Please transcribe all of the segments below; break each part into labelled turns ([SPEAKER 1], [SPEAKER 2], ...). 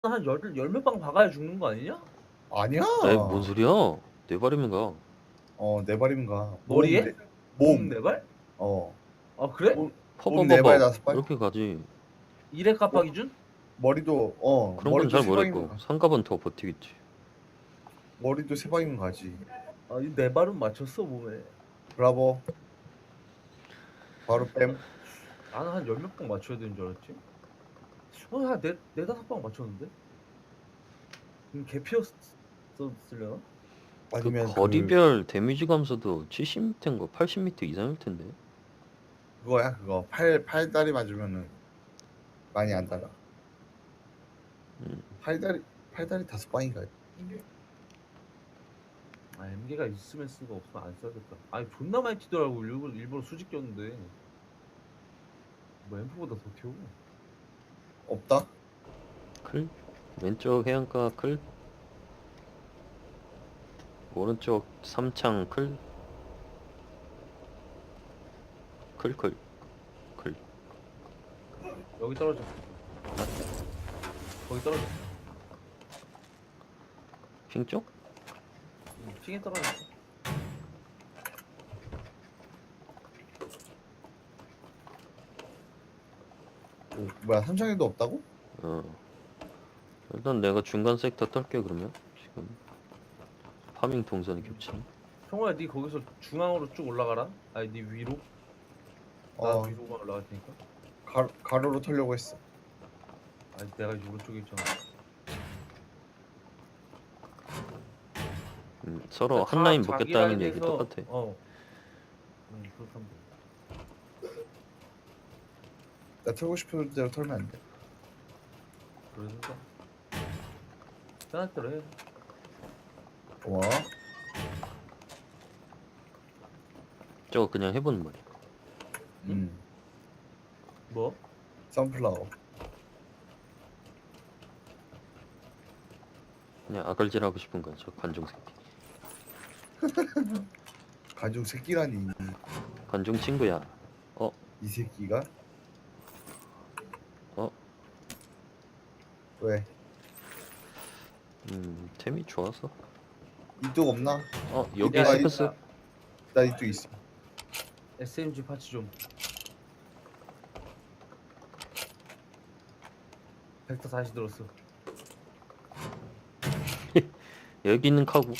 [SPEAKER 1] 한 열 몇 방 박아야 죽는 거 아니냐?
[SPEAKER 2] 아니야.
[SPEAKER 3] 에이 뭔 소리야? 네 발이면 가.
[SPEAKER 2] 네 발이면 가.
[SPEAKER 1] 머리에?
[SPEAKER 2] 몸.
[SPEAKER 1] 네 발?
[SPEAKER 2] 어.
[SPEAKER 1] 아 그래?
[SPEAKER 2] 몸 네 발,
[SPEAKER 3] 퍼버버버
[SPEAKER 2] 다섯 발?
[SPEAKER 3] 이렇게 가지.
[SPEAKER 1] 1회 깜빡 기준?
[SPEAKER 2] 머리도
[SPEAKER 3] 그런 건
[SPEAKER 2] 머리도
[SPEAKER 3] 잘
[SPEAKER 2] 세 방이면
[SPEAKER 3] 모르겠고
[SPEAKER 2] 가.
[SPEAKER 3] 상갑은 더 버티겠지.
[SPEAKER 2] 머리도 세 방이면 가지.
[SPEAKER 1] 아 이 네 발은 맞췄어 몸에.
[SPEAKER 2] 브라보. 바로 뺨.
[SPEAKER 1] 나는 한 열 몇 방 맞춰야 되는 줄 알았지. 한 네다섯 방 맞췄는데? 개피였었으려나?
[SPEAKER 3] 그
[SPEAKER 2] 아니면
[SPEAKER 3] 거리별 데미지 감소도 70m인가 80m 이상일 텐데.
[SPEAKER 2] 그거야. 그거 팔다리 맞으면은 많이 안 달아. 팔다리 다섯 방인가?
[SPEAKER 1] 아 MG가 있으면 쓰고 없으면 안 써야겠다. 아니 존나 많이 튀더라고. 일부러 수직 꼈는데 뭐 앰프보다 더 튀어.
[SPEAKER 2] 없다.
[SPEAKER 3] 클 왼쪽 해안가 클 오른쪽 삼창 클
[SPEAKER 1] 여기 떨어져. 거기 떨어져.
[SPEAKER 3] 핑 쪽?
[SPEAKER 1] 핑에 떨어졌어.
[SPEAKER 2] 뭐야, 삼창에도 없다고?
[SPEAKER 3] 일단 내가 중간 섹터 떨게. 그러면 지금 파밍 동선이 겹치네.
[SPEAKER 1] 형호야 니 거기서 중앙으로 쭉 올라가라. 아니 니 위로. 나 위로만 올라갈 테니까.
[SPEAKER 2] 가로로 털려고 했어.
[SPEAKER 1] 아니 내가 이제 오른쪽에 있잖아.
[SPEAKER 3] 서로
[SPEAKER 1] 그러니까
[SPEAKER 3] 한 라인
[SPEAKER 1] 자기
[SPEAKER 3] 먹겠다는
[SPEAKER 1] 라인에서-
[SPEAKER 3] 얘기 똑같아.
[SPEAKER 1] 그렇다면 돼.
[SPEAKER 2] 나 털고 싶은 대로 털면 안 돼.
[SPEAKER 1] 그러니까 편할 대로 해.
[SPEAKER 2] 고마워.
[SPEAKER 3] 저거 그냥 해보는 말이야.
[SPEAKER 1] 뭐?
[SPEAKER 2] 선플라워.
[SPEAKER 3] 그냥 아갈질하고 싶은 거야, 저 관종 새끼.
[SPEAKER 2] 가족 새끼라니.
[SPEAKER 3] 관종 친구야.
[SPEAKER 2] 이 새끼가?
[SPEAKER 3] 어?
[SPEAKER 2] 왜?
[SPEAKER 3] 템이 좋아서.
[SPEAKER 2] 이뚝 없나?
[SPEAKER 3] 여기
[SPEAKER 1] 야,
[SPEAKER 3] 스크스.
[SPEAKER 2] 나 이뚝 있어.
[SPEAKER 1] SMG 파츠 좀. 벡터 다시 들었어.
[SPEAKER 3] 여기 있는 카구.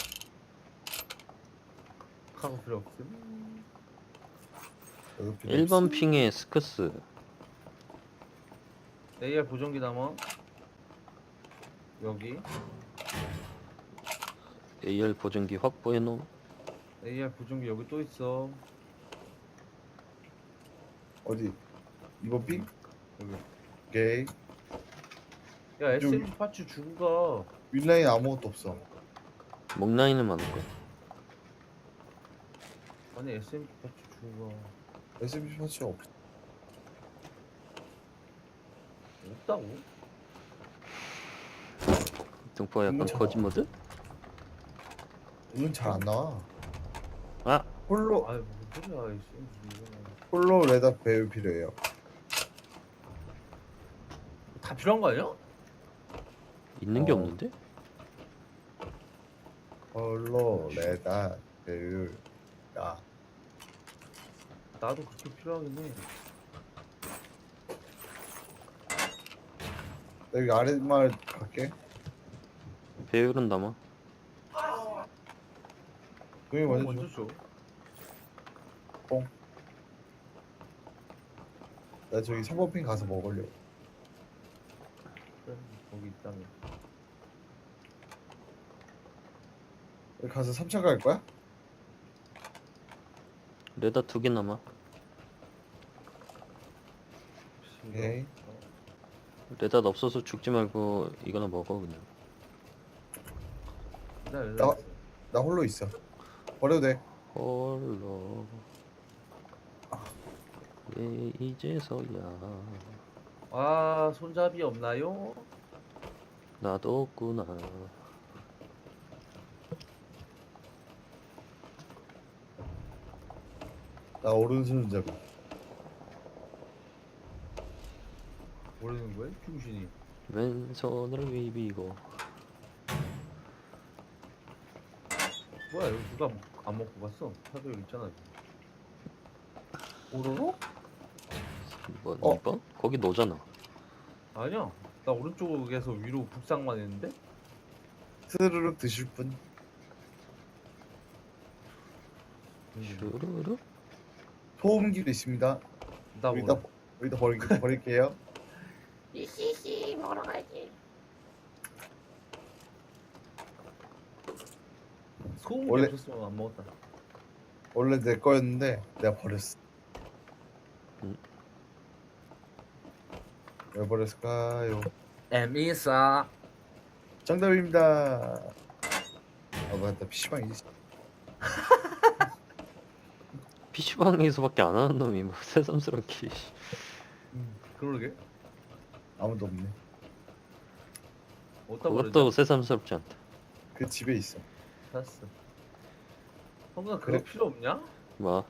[SPEAKER 1] 카고 필요 없음.
[SPEAKER 3] 1번 핑에 스크스.
[SPEAKER 1] AR 보정기 남아. 여기
[SPEAKER 3] AR 보정기 확보해놓음.
[SPEAKER 1] AR 보정기 여기 또 있어.
[SPEAKER 2] 어디? 이번 핑?
[SPEAKER 1] 여기.
[SPEAKER 2] 오케이.
[SPEAKER 1] 야 SMG 파츠 주고 가.
[SPEAKER 2] 윗라인 아무것도 없어.
[SPEAKER 3] 목라인은 많을 거야.
[SPEAKER 1] 아니 SMG 파츠 주고 가.
[SPEAKER 2] SMG 파츠 없어.
[SPEAKER 1] 없다고?
[SPEAKER 3] 등포가 약간
[SPEAKER 2] 이거
[SPEAKER 3] 거짓 모드?
[SPEAKER 2] 이건 잘 안 나와.
[SPEAKER 3] 아!
[SPEAKER 2] 홀로
[SPEAKER 1] 아이 무슨 소리야 SMG 이거는.
[SPEAKER 2] 홀로 레다 배우 필요해요.
[SPEAKER 1] 다 필요한 거 아니야?
[SPEAKER 3] 있는 게
[SPEAKER 2] 어.
[SPEAKER 3] 없는데?
[SPEAKER 2] 홀로 레다 배우. 야,
[SPEAKER 1] 나도 그렇게 필요하긴 해.
[SPEAKER 2] 나 여기 아랫마을 갈게.
[SPEAKER 3] 배율은 남아.
[SPEAKER 2] 동이
[SPEAKER 1] 형
[SPEAKER 2] 먼저
[SPEAKER 1] 먼저
[SPEAKER 2] 줘.
[SPEAKER 1] 줘.
[SPEAKER 2] 나 저기 3번 핑 가서 먹으려고.
[SPEAKER 1] 그래 거기 있다면.
[SPEAKER 2] 여기 가서 3차 갈 거야?
[SPEAKER 3] 레다 2개 남아.
[SPEAKER 2] 오케이.
[SPEAKER 3] 레다 없어서 죽지 말고 이거나 먹어 그냥.
[SPEAKER 2] 나 홀로 있어. 버려도 돼.
[SPEAKER 3] 홀로 왜 이제서야
[SPEAKER 1] 아 손잡이 없나요?
[SPEAKER 3] 나도 없구나.
[SPEAKER 2] 나 오른손잡이.
[SPEAKER 1] 모르는 거야? 중신이.
[SPEAKER 3] 왼손으로 비비고.
[SPEAKER 1] 뭐야 여기 누가 안 먹고 갔어? 차도 여기 있잖아.
[SPEAKER 2] 오로로?
[SPEAKER 3] 3번,
[SPEAKER 2] 어.
[SPEAKER 3] 2번? 거기 너잖아.
[SPEAKER 1] 아니야. 나 오른쪽에서 위로 북상만 했는데?
[SPEAKER 2] 스르륵 드실 분?
[SPEAKER 3] 슈루루.
[SPEAKER 2] 소음기도 있습니다.
[SPEAKER 1] 나
[SPEAKER 2] 여기다
[SPEAKER 1] 몰라.
[SPEAKER 2] 여기다 버릴게요.
[SPEAKER 4] 이씨씨 먹으러 가야지.
[SPEAKER 1] 소음이
[SPEAKER 2] 원래-
[SPEAKER 1] 없었으면 안 먹었다.
[SPEAKER 2] 원래 내 거였는데 내가 버렸어. 왜 버렸을까요?
[SPEAKER 1] 에미사.
[SPEAKER 2] 정답입니다. 아 맞다 PC방이지.
[SPEAKER 3] PC방에서밖에 안 하는 놈이 뭐 새삼스럽게.
[SPEAKER 1] 그러게.
[SPEAKER 2] 아무도 없네.
[SPEAKER 1] 어디다 버렸냐?
[SPEAKER 3] 그것도 새삼스럽지 않다.
[SPEAKER 2] 그 집에 있어.
[SPEAKER 1] 샀어. 형아 그거
[SPEAKER 2] 그래?
[SPEAKER 1] 필요 없냐?
[SPEAKER 3] 뭐?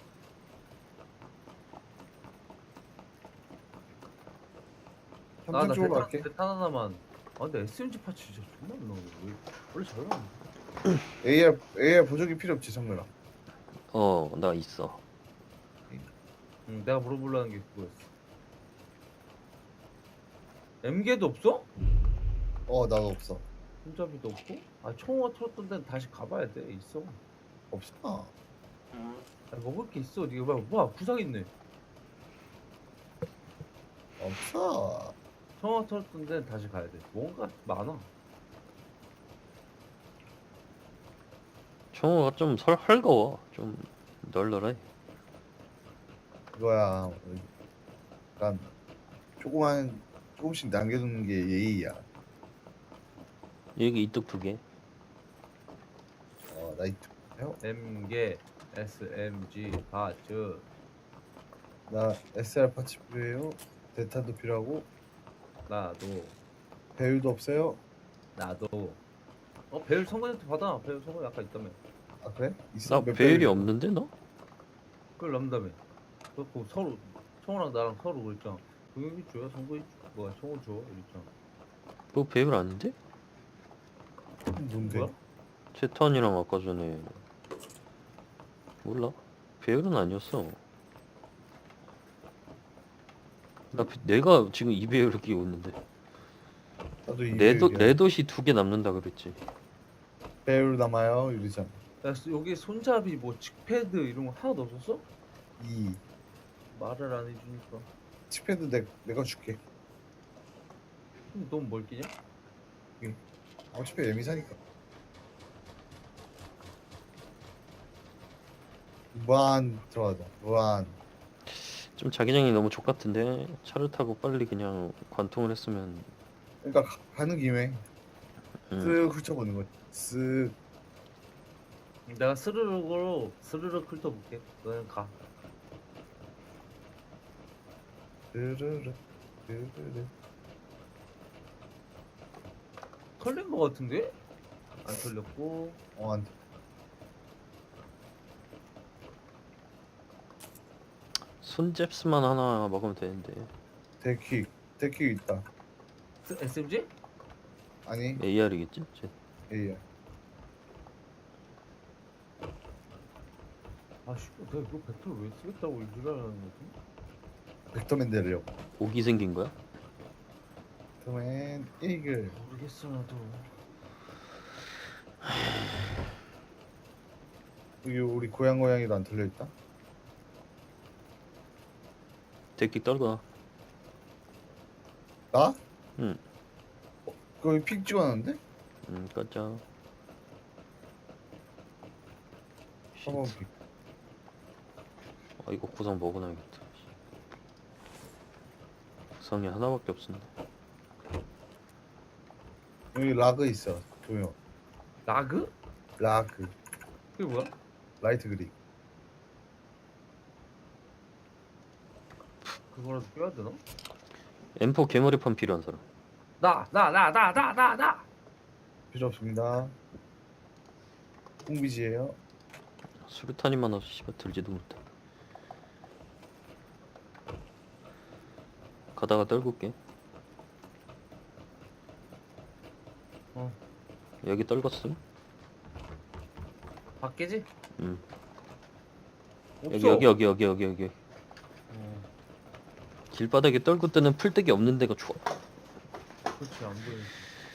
[SPEAKER 1] 나
[SPEAKER 2] 삼촌 쪽으로 갈게.
[SPEAKER 1] 대탄 하나만. 아 근데 SMG 파츠 진짜 존나 안 나오네. 왜 원래 잘 나오는데.
[SPEAKER 2] AR 보조기 필요 없지 성렬아.
[SPEAKER 3] 나 있어.
[SPEAKER 1] 응, 내가 물어보려는 게 그거였어. MG도 없어?
[SPEAKER 2] 나도 없어.
[SPEAKER 1] 손잡이도 없고? 아 총어 털었던 데는 다시 가봐야 돼. 있어.
[SPEAKER 2] 없어.
[SPEAKER 1] 아, 먹을 게 있어. 네가 뭐야 구상 있네.
[SPEAKER 2] 없어.
[SPEAKER 1] 총어 털었던 데는 다시 가야 돼. 뭔가 많아.
[SPEAKER 3] 청어가 좀 헐거워. 좀 널널해.
[SPEAKER 2] 그거야. 약간 조금씩 남겨두는 게 예의야.
[SPEAKER 3] 여기 이뚝 2개.
[SPEAKER 2] 나이트.
[SPEAKER 1] MG, SMG, 파츠.
[SPEAKER 2] 나 SR 파츠 필요해요. 대탄도 필요하고
[SPEAKER 1] 나도.
[SPEAKER 2] 배율도 없어요.
[SPEAKER 1] 나도. 배율 성근한테 받아. 배율 성근이 아까 있다며.
[SPEAKER 2] 아 그래? 있어?
[SPEAKER 3] 나
[SPEAKER 2] 몇
[SPEAKER 3] 배율이
[SPEAKER 2] 배율이야?
[SPEAKER 3] 없는데 너?
[SPEAKER 1] 그걸 남다며. 그렇고 서로 청호랑 나랑 서로 그랬잖아. 동혁이 줘요, 성근이 뭐야, 청호 줘 이랬잖아.
[SPEAKER 3] 그거 배율 아닌데?
[SPEAKER 2] 뭔데?
[SPEAKER 1] 뭐야?
[SPEAKER 3] 채턴이랑 아까 전에 몰라. 배율은 아니었어. 내가 지금 2배율을 끼고 있는데
[SPEAKER 2] 나도 이 배율이야.
[SPEAKER 3] 레도시 2개 남는다 그랬지.
[SPEAKER 2] 배율 남아요 이러잖아.
[SPEAKER 1] 야, 여기 손잡이 뭐 칙패드 이런 거 하나도 없었어?
[SPEAKER 2] 이
[SPEAKER 1] 말을 안 해주니까.
[SPEAKER 2] 칩패드 내가 줄게.
[SPEAKER 1] 근데 너무 뭘 끼냐?
[SPEAKER 2] 어차피 애미 사니까. 무한 들어가자. 무한.
[SPEAKER 3] 좀 자기장이 너무 족같은데 차를 타고 빨리 그냥 관통을 했으면.
[SPEAKER 2] 그러니까 가는 김에
[SPEAKER 3] 음.
[SPEAKER 2] 쓱 훑어보는 거지. 쓱.
[SPEAKER 1] 내가 스르륵 훑어볼게. 너는 가.
[SPEAKER 2] 르르르 르르르.
[SPEAKER 1] 털린 거 같은데? 안 털렸고.
[SPEAKER 2] 안 돼.
[SPEAKER 3] 손잽스만 하나 먹으면 되는데.
[SPEAKER 2] 데킥 있다.
[SPEAKER 1] SMG?
[SPEAKER 2] 아니
[SPEAKER 3] AR이겠지?
[SPEAKER 2] A야.
[SPEAKER 1] 아씨, 내가 이거 배틀 왜 쓰겠다고 일하는 거지?
[SPEAKER 2] 벡터맨 내려고.
[SPEAKER 3] 옥이 생긴 거야?
[SPEAKER 2] 벡터맨 이글.
[SPEAKER 1] 모르겠어 나도.
[SPEAKER 2] 여기 우리 고양이도 안 털려 있다.
[SPEAKER 3] 데킥 떨궈.
[SPEAKER 2] 나?
[SPEAKER 3] 응.
[SPEAKER 2] 거기 픽 찍어놨는데?
[SPEAKER 3] 꺼져.
[SPEAKER 2] 한번
[SPEAKER 3] 쉿. 이거 구상 먹어놔야겠다. 구상이 하나밖에 없었네.
[SPEAKER 2] 여기 라그 있어. 조용.
[SPEAKER 1] 라그?
[SPEAKER 2] 라그.
[SPEAKER 1] 그게 뭐야?
[SPEAKER 2] 라이트 그립.
[SPEAKER 1] 그거라도 껴야 되나?
[SPEAKER 3] M4 개머리판 필요한 사람.
[SPEAKER 1] 나.
[SPEAKER 2] 필요 없습니다. 콩비지예요.
[SPEAKER 3] 수류탄이 많아서 씨발 들지도 못해. 가다가 떨굴게.
[SPEAKER 1] 어.
[SPEAKER 3] 여기 떨궜음.
[SPEAKER 1] 밖에지?
[SPEAKER 3] 여기
[SPEAKER 1] 없어.
[SPEAKER 3] 여기.
[SPEAKER 1] 어,
[SPEAKER 3] 길바닥에 떨고 뜨는 풀떼기 없는 데가 좋아.
[SPEAKER 1] 그렇지 안 보이지.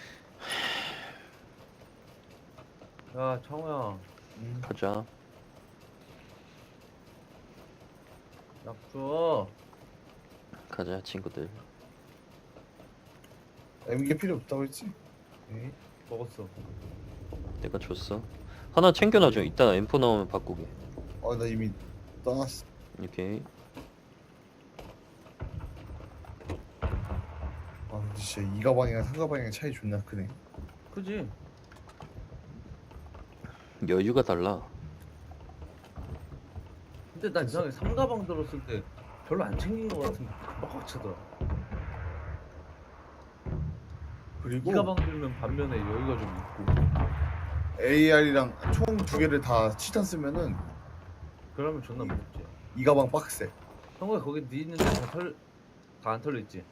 [SPEAKER 1] 야 창호야,
[SPEAKER 3] 가자.
[SPEAKER 1] 약 줘.
[SPEAKER 3] 가자 친구들.
[SPEAKER 2] MG 필요 없다고 했지?
[SPEAKER 1] 응? 먹었어.
[SPEAKER 3] 내가 줬어. 하나 챙겨놔줘. 이따 M4 나오면 바꾸게.
[SPEAKER 2] 나 이미 떠났어.
[SPEAKER 3] 오케이.
[SPEAKER 2] 근데 진짜 이 가방이랑 상 가방이랑 차이 존나 크네.
[SPEAKER 1] 그지?
[SPEAKER 3] 여유가 달라.
[SPEAKER 1] 근데 난 이상하게 삼가방 들었을 때 별로 안 챙긴 것 같은데 빡빡 차더라.
[SPEAKER 2] 그리고
[SPEAKER 1] 이 가방 들면 반면에 여유가 좀 있고.
[SPEAKER 2] AR이랑 총 두 개를 다 치탄 쓰면은
[SPEAKER 1] 그러면 존나 무섭지.
[SPEAKER 2] 이 가방 빡세.
[SPEAKER 1] 형아 거기 네 있는데 다 안 털려 있지?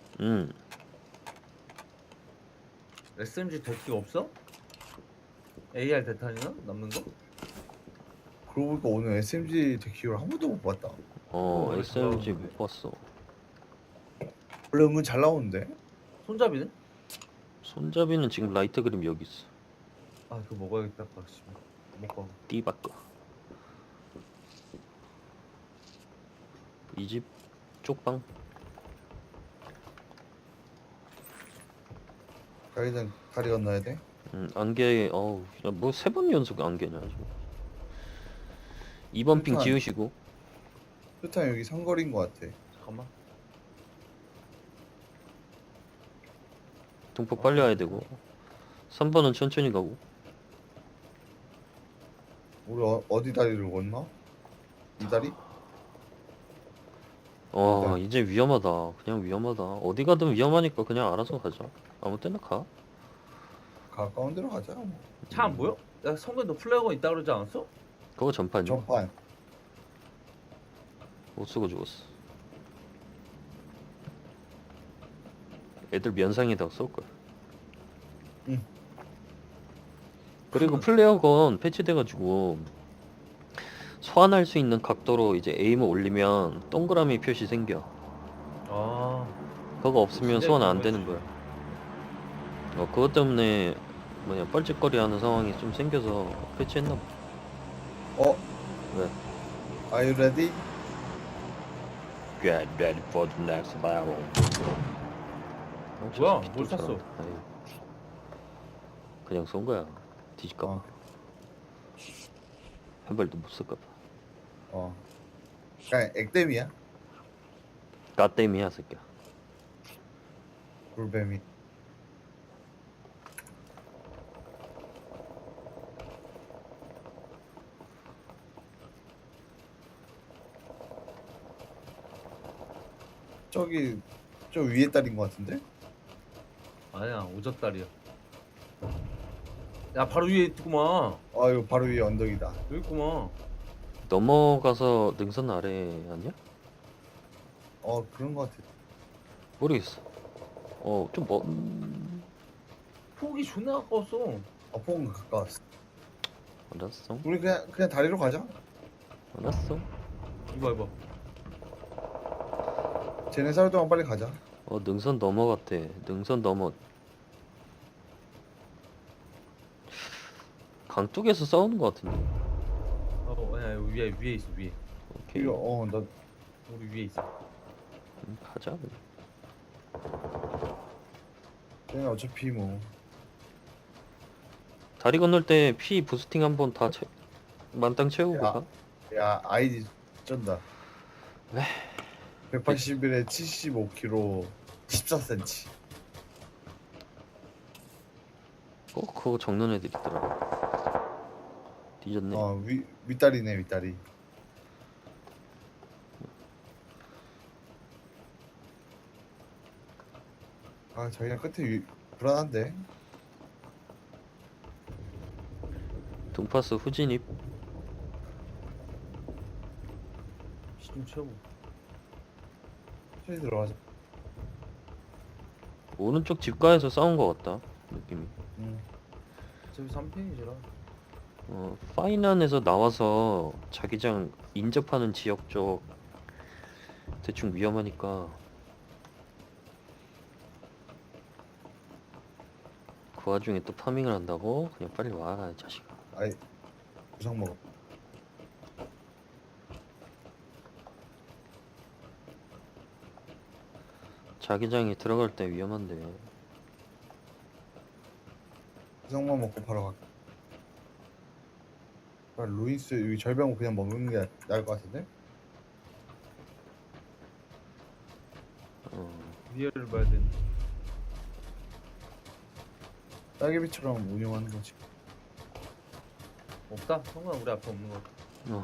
[SPEAKER 1] SMG 대기가 없어? AR 대탄이나 남는 거?
[SPEAKER 2] 그러고 보니까 오늘 SMG 데키를 한 번도 못 봤다.
[SPEAKER 3] SMG 못 봤어.
[SPEAKER 2] 원래 은근 잘 나오는데?
[SPEAKER 1] 손잡이는?
[SPEAKER 3] 손잡이는 지금 라이트 그림 여기 있어.
[SPEAKER 1] 아 그거 먹어야겠다. 씨. 먹고.
[SPEAKER 3] 띠바꿔. 이 집 쪽방.
[SPEAKER 2] 가이든 다리 건너야 돼?
[SPEAKER 3] 안개. 뭐 3번 연속 안개냐 지금. 2번 핑
[SPEAKER 2] 일단-
[SPEAKER 3] 지우시고.
[SPEAKER 2] 일단 여기 상거리인 것 같아.
[SPEAKER 1] 잠깐만.
[SPEAKER 3] 동폭 빨리 와야 되고. 3번은 천천히 가고.
[SPEAKER 2] 우리 어디 다리를 건너? 이 다리?
[SPEAKER 3] 이제 위험하다. 그냥 위험하다. 어디 가든 위험하니까 그냥 알아서 가자. 아무 때나 가.
[SPEAKER 2] 가까운 데로 가자. 뭐.
[SPEAKER 1] 차 안 보여? 야 성근 너 플래그가 있다 그러지 않았어?
[SPEAKER 3] 그거 전판이야.
[SPEAKER 2] 전판.
[SPEAKER 3] 못 쓰고 죽었어. 애들 면상에다가 쏠걸.
[SPEAKER 2] 응.
[SPEAKER 3] 그리고 플레어건 패치돼가지고 소환할 수 있는 각도로 이제 에임을 올리면 동그라미 표시 생겨.
[SPEAKER 1] 아
[SPEAKER 3] 그거 없으면
[SPEAKER 1] 진짜
[SPEAKER 3] 소환 안
[SPEAKER 1] 그런
[SPEAKER 3] 되는 거야. 그것 때문에 뻘짓거리 하는 상황이 좀 생겨서 패치했나 봐. 왜?
[SPEAKER 2] Are you ready?
[SPEAKER 3] Get ready for the next battle.
[SPEAKER 1] 뭐야, 뭘 샀어?
[SPEAKER 3] 그냥 쏜 거야. 뒤질까 봐.
[SPEAKER 2] 어.
[SPEAKER 3] 한 발도 못 쓸까 봐.
[SPEAKER 2] 그냥 액땜이야.
[SPEAKER 3] 까땜이야 새끼야.
[SPEAKER 2] 불뱀이. 저기 저 위에 딸인 것 같은데?
[SPEAKER 1] 아니야 오졌다리야. 야 바로 위에 있구만.
[SPEAKER 2] 이거 바로 위에 언덕이다.
[SPEAKER 1] 여기 있구만.
[SPEAKER 3] 넘어가서 능선 아래 아니야?
[SPEAKER 2] 그런 것 같아.
[SPEAKER 3] 모르겠어. 좀
[SPEAKER 1] 폭이 존나 가까웠어.
[SPEAKER 2] 폭은 가까웠어.
[SPEAKER 3] 알았어.
[SPEAKER 2] 우리 그냥 다리로 가자.
[SPEAKER 3] 알았어.
[SPEAKER 1] 이봐.
[SPEAKER 2] 쟤네 살 동안 빨리 가자.
[SPEAKER 3] 능선 넘어갔대. 능선 넘어. 강둑에서 싸우는 것 같은데.
[SPEAKER 1] 아니야 여기 위에 있어 위에.
[SPEAKER 3] 오케이.
[SPEAKER 2] 이거 나
[SPEAKER 1] 우리 위에 있어.
[SPEAKER 3] 가자. 그냥.
[SPEAKER 2] 쟤네 어차피 뭐
[SPEAKER 3] 다리 건널 때 피 부스팅 한번 다 만땅 채우고
[SPEAKER 2] 야.
[SPEAKER 3] 가.
[SPEAKER 2] 야 아이디 쩐다.
[SPEAKER 3] 왜?
[SPEAKER 2] 181에 75kg 14cm.
[SPEAKER 3] 그거 적는 애들 있더라. 뒤졌네.
[SPEAKER 2] 윗다리네 윗다리. 저기랑 끝에 불안한데.
[SPEAKER 3] 동파스 후진입.
[SPEAKER 1] 피 좀 채우고.
[SPEAKER 2] 천천히 들어가자.
[SPEAKER 3] 오른쪽 집가에서 싸운 것 같다. 느낌이.
[SPEAKER 1] 어차피 3펜이지라.
[SPEAKER 3] 파이난에서 나와서 자기장 인접하는 지역 쪽 대충 위험하니까 그 와중에 또 파밍을 한다고? 그냥 빨리 와, 이 자식아.
[SPEAKER 2] 아이 구상 먹어.
[SPEAKER 3] 자기장에 들어갈 때 위험한데.
[SPEAKER 2] 구상만 먹고 바로 갈게. 아, 루이스 여기 절병 그냥 먹는 게 나을 것 같은데?
[SPEAKER 1] 위에를 봐야 되는데.
[SPEAKER 2] 딸기비처럼 운영하는 거지.
[SPEAKER 1] 없다. 성관 우리 앞에 없는 거 같아.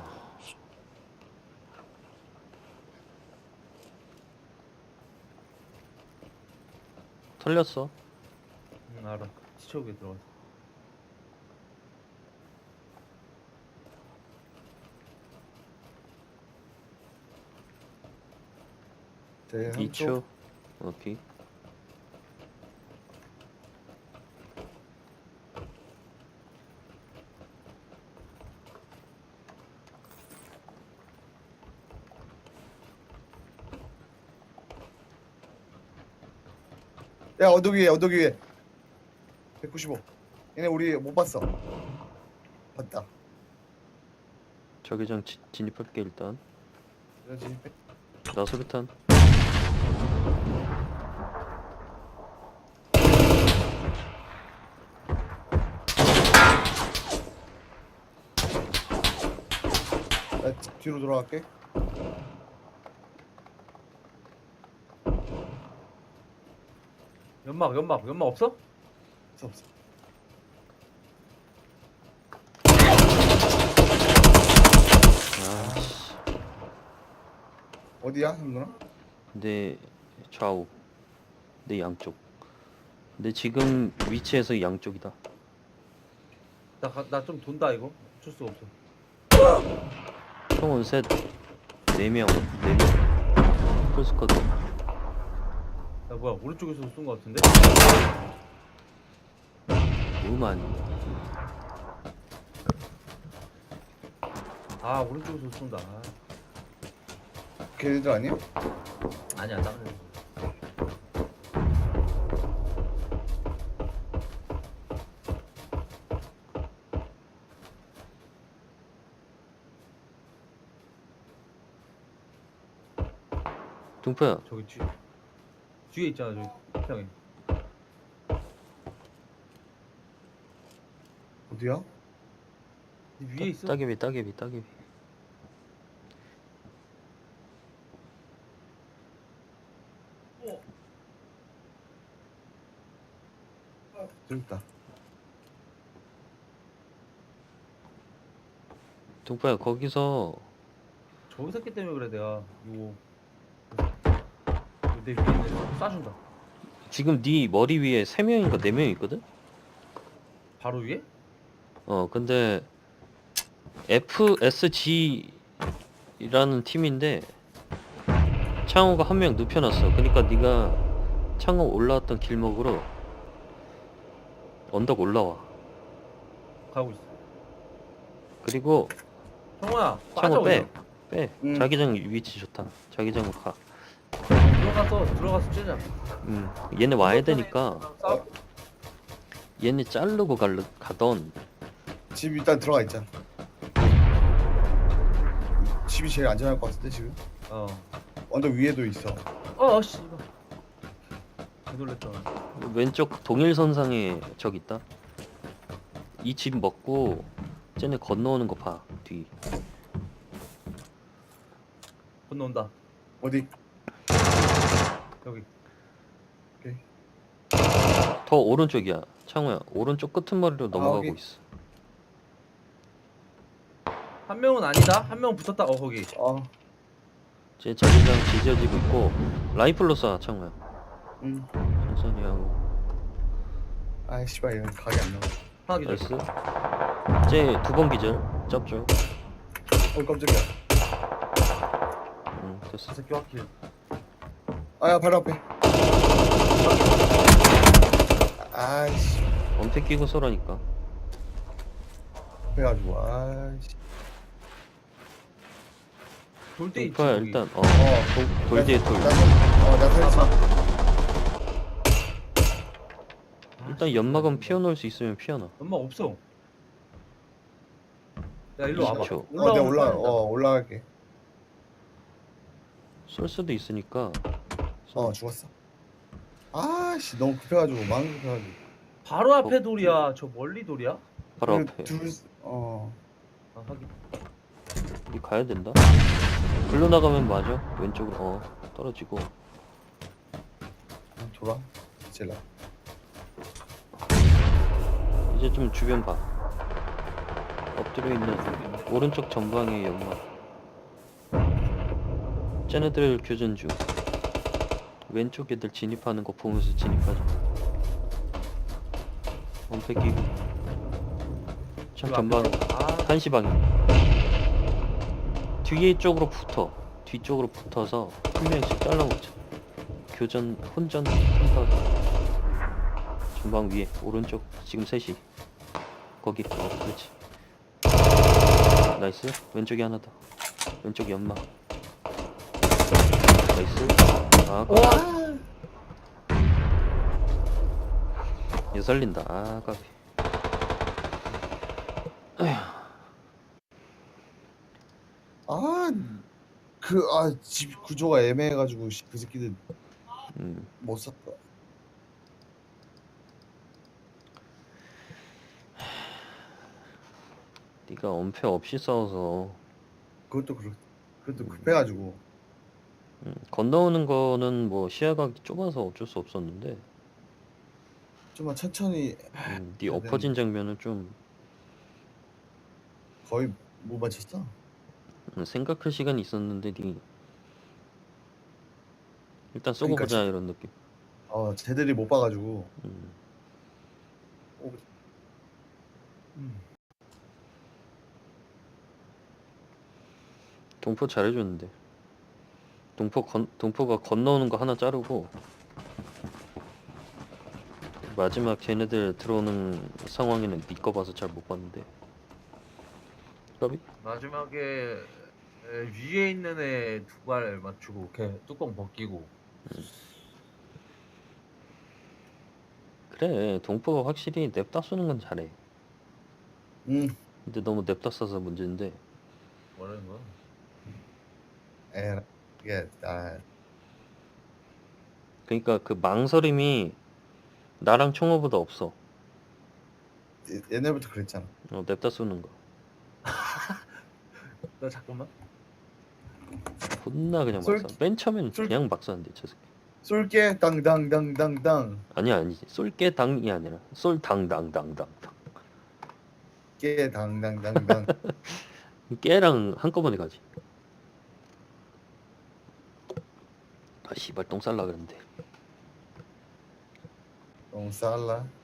[SPEAKER 3] 털렸어.
[SPEAKER 1] 응 알아. 시초기에 들어갔어.
[SPEAKER 2] 제
[SPEAKER 3] 2초. 오케이.
[SPEAKER 2] 야 언덕 위에 언덕 위에 195. 얘네 우리 못 봤어. 봤다.
[SPEAKER 3] 자기장 진입할게 일단.
[SPEAKER 2] 그렇지.
[SPEAKER 3] 나 수류탄.
[SPEAKER 2] 나 뒤로 돌아갈게.
[SPEAKER 1] 연막 없어?
[SPEAKER 2] 없어 없어.
[SPEAKER 3] 아씨.
[SPEAKER 2] 어디야 형누나?
[SPEAKER 3] 내 좌우. 내 양쪽. 내 지금 위치에서 양쪽이다.
[SPEAKER 1] 나 좀 돈다 이거. 어쩔 수가 없어.
[SPEAKER 3] 총은 셋. 4명. 4명. 풀스쿼드.
[SPEAKER 1] 야 뭐야 오른쪽에서 쏜 거 같은데?
[SPEAKER 3] 우만.
[SPEAKER 1] 아 오른쪽에서 쏜다. 아,
[SPEAKER 2] 걔네들 아니야?
[SPEAKER 1] 아니야 다른 애.
[SPEAKER 3] 동표야.
[SPEAKER 1] 저기 뒤에 있잖아 저기 평에.
[SPEAKER 2] 어디야?
[SPEAKER 1] 위에 있어.
[SPEAKER 3] 따개비.
[SPEAKER 2] 저기 있다.
[SPEAKER 3] 동표야 거기서
[SPEAKER 1] 저 새끼 때문에 그래 내가 요거 내 위에 있는 애 쏴준다.
[SPEAKER 3] 지금 네 머리 위에 3명인가 4명 있거든?
[SPEAKER 1] 바로 위에?
[SPEAKER 3] 근데 FSG라는 팀인데 창호가 한 명 눕혀놨어. 그러니까 네가 창호 올라왔던 길목으로 언덕 올라와.
[SPEAKER 1] 가고 있어.
[SPEAKER 3] 그리고
[SPEAKER 1] 성호야
[SPEAKER 3] 창호
[SPEAKER 1] 빠져
[SPEAKER 3] 빼.
[SPEAKER 1] 그냥.
[SPEAKER 3] 빼.
[SPEAKER 2] 응.
[SPEAKER 3] 자기장 위치 좋다. 자기장으로 가.
[SPEAKER 1] 들어가서 째자.
[SPEAKER 3] 얘네 와야 되니까
[SPEAKER 1] 싸워.
[SPEAKER 3] 얘네 자르고 가던.
[SPEAKER 2] 집 일단 들어가 있자. 집이 제일 안전할 것 같은데 지금? 언덕 위에도 있어.
[SPEAKER 1] 씨발. 개 놀랬다.
[SPEAKER 3] 왼쪽 동일선상에 적 있다. 이 집 먹고 쟤네 건너오는 거 봐. 뒤.
[SPEAKER 1] 건너온다.
[SPEAKER 2] 어디?
[SPEAKER 1] 여기.
[SPEAKER 3] 더 오른쪽이야. 창호야. 오른쪽 끄트머리로 넘어가고
[SPEAKER 2] 여기.
[SPEAKER 3] 있어.
[SPEAKER 1] 한 명은 아니다. 한 명 붙었다. 거기.
[SPEAKER 3] 제 자기장 지져지고 있고 라이플로 쏴 창호야.
[SPEAKER 2] 응.
[SPEAKER 3] 천천히 하고.
[SPEAKER 2] 아이 씨발 이건 각이 안 나와.
[SPEAKER 1] 하나 기절.
[SPEAKER 3] 나이스. 쟤 2번 기절. 짭죠.
[SPEAKER 2] 깜짝이야.
[SPEAKER 3] 됐어.
[SPEAKER 1] 저 새끼 확킬.
[SPEAKER 2] 아야 바로 앞에. 아이씨.
[SPEAKER 3] 엄폐 끼고 쏘라니까.
[SPEAKER 2] 그래가지고 아씨.
[SPEAKER 1] 돌때 있지
[SPEAKER 3] 동포야
[SPEAKER 1] 거기.
[SPEAKER 3] 일단
[SPEAKER 2] 어.
[SPEAKER 3] 돌 뒤에 돌.
[SPEAKER 2] 나 살렸어.
[SPEAKER 1] 아,
[SPEAKER 3] 일단 연막은 피워놓을 수 있으면 피워놔.
[SPEAKER 1] 엄마 없어. 야 일로 와봐.
[SPEAKER 3] 20초.
[SPEAKER 2] 내가 올라갈게.
[SPEAKER 3] 쏠 수도 있으니까.
[SPEAKER 2] 죽었어. 아씨 너무 급해가지고 마음 급해가지고.
[SPEAKER 1] 바로 앞에 돌이야. 저 멀리 돌이야?
[SPEAKER 3] 바로
[SPEAKER 2] 그
[SPEAKER 3] 앞에.
[SPEAKER 1] 아 하긴.
[SPEAKER 3] 우리 가야 된다. 글로 나가면 맞아. 왼쪽으로 떨어지고.
[SPEAKER 2] 돌아. 찔러.
[SPEAKER 3] 이제 좀 주변 봐. 엎드려 있는 오른쪽 전방의 연막. 쟤네들 교전 중. 왼쪽 애들 진입하는 거 보면서 진입하자. 엄폐 끼고. 참 전방
[SPEAKER 1] 아
[SPEAKER 3] 1시 방향. 뒤에 쪽으로 붙어. 뒤쪽으로 붙어서 한 명씩 잘라먹자. 교전 혼전 한타. 전방 위에 오른쪽 지금 3시. 거기 그렇지. 나이스. 왼쪽에 하나 더. 왼쪽 연막. 나이스. 얘 살린다. 까비.
[SPEAKER 2] 집 구조가 애매해가지고 그 새끼들
[SPEAKER 3] 음.
[SPEAKER 2] 못 샀다.
[SPEAKER 3] 네가 엄폐 없이 싸워서
[SPEAKER 2] 그것도 급해가지고.
[SPEAKER 3] 건너오는 거는 뭐 시야가 좁아서 어쩔 수 없었는데
[SPEAKER 2] 좀만 천천히.
[SPEAKER 3] 네 엎어진 장면은 좀
[SPEAKER 2] 거의 못 맞췄어.
[SPEAKER 3] 생각할 시간이 있었는데 네 일단 쏘고
[SPEAKER 2] 그러니까
[SPEAKER 3] 보자 이런 느낌.
[SPEAKER 2] 쟤들이 못 봐가지고.
[SPEAKER 3] 동포 잘해줬는데 동포가 건너오는 거 하나 자르고 마지막 걔네들 들어오는 상황에는 네 거 봐서 잘 못 봤는데 까비?
[SPEAKER 1] 마지막에 위에 있는 애 두 발 맞추고 걔 뚜껑 벗기고.
[SPEAKER 3] 그래 동포가 확실히 냅다 쏘는 건 잘해. 근데 너무 냅다 쏴서 문제인데
[SPEAKER 1] 뭐라는 거야?
[SPEAKER 2] 이게
[SPEAKER 3] 그러니까 그 망설임이 나랑 총호보다 없어.
[SPEAKER 2] 옛날부터 그랬잖아.
[SPEAKER 3] 냅다 쏘는 거
[SPEAKER 1] 나 잠깐만.
[SPEAKER 3] 존나 그냥 막
[SPEAKER 2] 쏠-
[SPEAKER 3] 쏴. 맨 처음엔
[SPEAKER 2] 쏠-
[SPEAKER 3] 그냥 막 쏘는데 저 새끼.
[SPEAKER 2] 쏠게 당당당당당.
[SPEAKER 3] 아니지 쏠게 당이 아니라 쏠 당당당당.
[SPEAKER 2] 깨 당당당당.
[SPEAKER 3] 깨랑 한꺼번에 가지. 아 씨발 똥 쌀라 그랬는데.
[SPEAKER 2] 너무 쌀라.